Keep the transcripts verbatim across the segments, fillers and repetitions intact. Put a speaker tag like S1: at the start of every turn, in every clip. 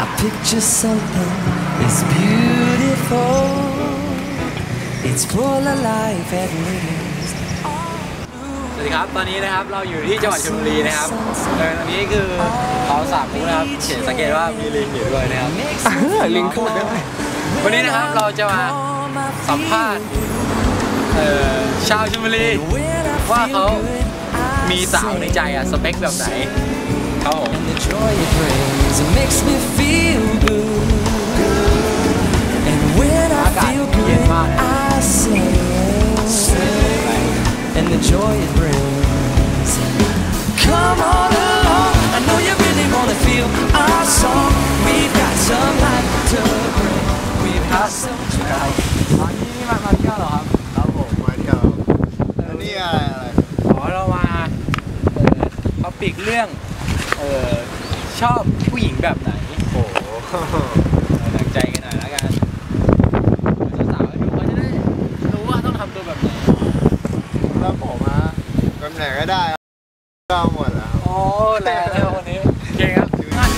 S1: I picture something that's beautiful. It's full of life and lives.
S2: สวัสดีครับตอนนี้นะครับเราอยู่ที่จังหวัดชลบุรีนะครับเออตอนนี้คือเขาสามคู่นะครับเขียนสังเกตว่ามีลิงอยู่ด้วยนะครับ
S3: ลิงพูดได้
S2: วันนี้นะครับเราจะมาสัมภาษณ์ชาวชลบุรีว่าเขามีสาวในใจอะสเปคแบบไหนครับผมอากาศเย็นมาก
S1: And the joy it brings. Come on along, I know you really wanna feel our song. We've got some life to bring. We've got some drive.
S2: ตอนนี้มามาเที่ยวเหรอครับครับผม
S3: มาเที่ยวแล้วนี่อะไรอะไร
S2: อ๋อเรามาเออเขาปีกเรื่องเออชอบผู้หญิงแบบไหนโอ้หนักใจกันหน่อยแล้วกันสาวๆดูเขาจะได้รู้ว่าต้องทำตัวแบบไหน
S3: แล้วผมอะแบบไหนก็ได้ก็หมดแล้ว
S2: โอ้แรงเลยวันนี้เก่งครับ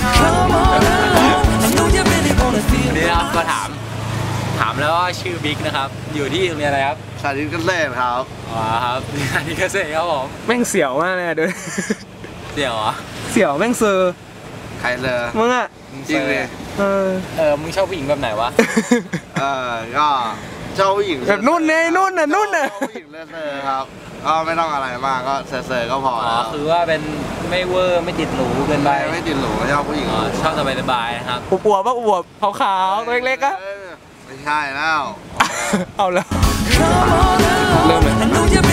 S2: วันนี้เราก็ถามถามแล้วว่าชื่อบิ๊กนะครับอยู่ที่โรงเรียนอะไรครับ
S3: สาธิตเกษตรครับ
S2: อ๋อครับสาธิตเกษตรครับผม
S3: แม่งเสียวมากเลยด้วย
S2: เสียวเหรอ
S3: เสียวแม่งเซอร์ใครเลอมึงอะจริงเลย
S2: เออเออมึงชอบผู้หญิงแบบไหนวะ
S3: เออก็ชอบผู้หญิงแบบนุ่นเนยนุ่นน่ะนุ่นน่ะผู้หญิงเซอร์ครับก็ไม่ต้องอะไรมากก็เซอร์ก็พอ
S2: อ๋อคือว่าเป็นไม่เวอร์ไม่ติดหรูเกินไป
S3: ไม่ติดหรูชอบผู้หญิง
S2: ชอบสบายสบายนะครับ
S3: อวบๆป่ะอวบขาวๆตัวเล็กๆอะไม่ใช่แล้วเอาแล้วเริ่มเลย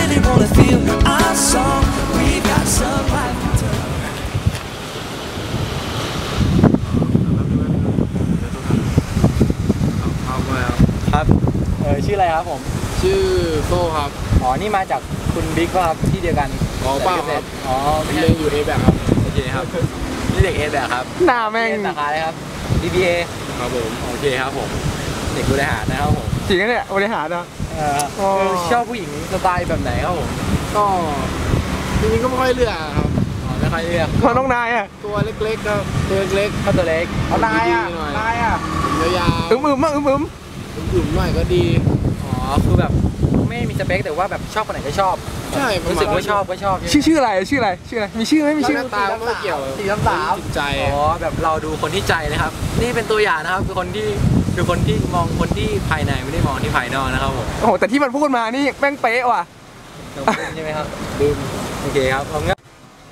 S2: ครับเออชื่ออะไรครับผม
S3: ชื่อโซ่ครับ
S2: อ๋อนี่มาจากคุณบิ๊กป่ะครับที่เดียวกัน
S3: อ๋อเปล่าครับ
S2: อ๋อ
S3: เรียนอยู่ เอ แบค ครับ
S2: โอเคครับนี่เด็ก เอ แบค ครับ
S3: หน้าแม่ง
S2: สาขาอะไรครับ บี บี เอ
S3: ครับผม
S2: โอเคครับผมเด็กบริหารนะครับผม
S3: จริงนะเนี่ยบริหารนะ
S2: เออชอบผู้หญิงสไตล์แบบไหนครับผม
S3: ก็จริงๆก็ไม่ค่อยเลือกครับ
S2: อ๋อไม่ค่อยเลือก
S3: เพราะน้องนายอ่ะตัวเล็กๆครับตัวเล็ก
S2: เขาตัวเล็ก
S3: เอานายอ่ะนายอ่ะยาวๆอึมอึมอึมอึมอึมหน่อยก็ดี
S2: อ๋อคือแบบไม่มีสเปคแต่ว่าแบบชอบคนไหนก็ชอบ
S3: ใช่
S2: รู้สึกว่าชอบก็ชอบ
S3: ชื่อชื่ออะไรชื่ออะไรชื่ออะไรมีชื่อไหมมีชื่อ
S2: ตาไม่เกี่ยวสีน้ำตาใจอ๋อแบบเราดูคนที่ใจนะครับนี่เป็นตัวอย่างนะครับคือคนที่คือคนที่มองคนที่ภายในไม่ได้มองที่ภายนอกนะครับผม
S3: โอ้โหแต่ที่มันพูดมานี่แม่งเป๊ะว่ะ
S2: ใช่ไหมครับลืมโอเคครับเอางั้น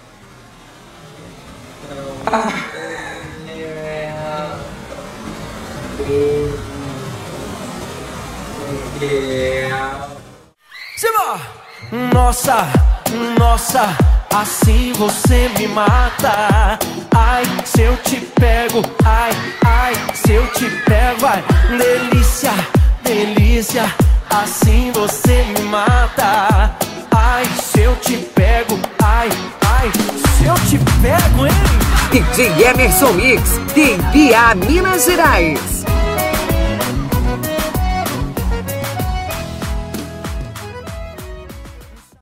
S1: Nossa, nossa, assim você me mata. Ai, se eu te pego, ai, ai, se eu te pego, ai, delícia, delícia, assim você me mata. Ai, se eu te pego, ai, ai, se eu te pego, hein?
S4: D J Emerson Mix, de Ibiá, Minas Gerais.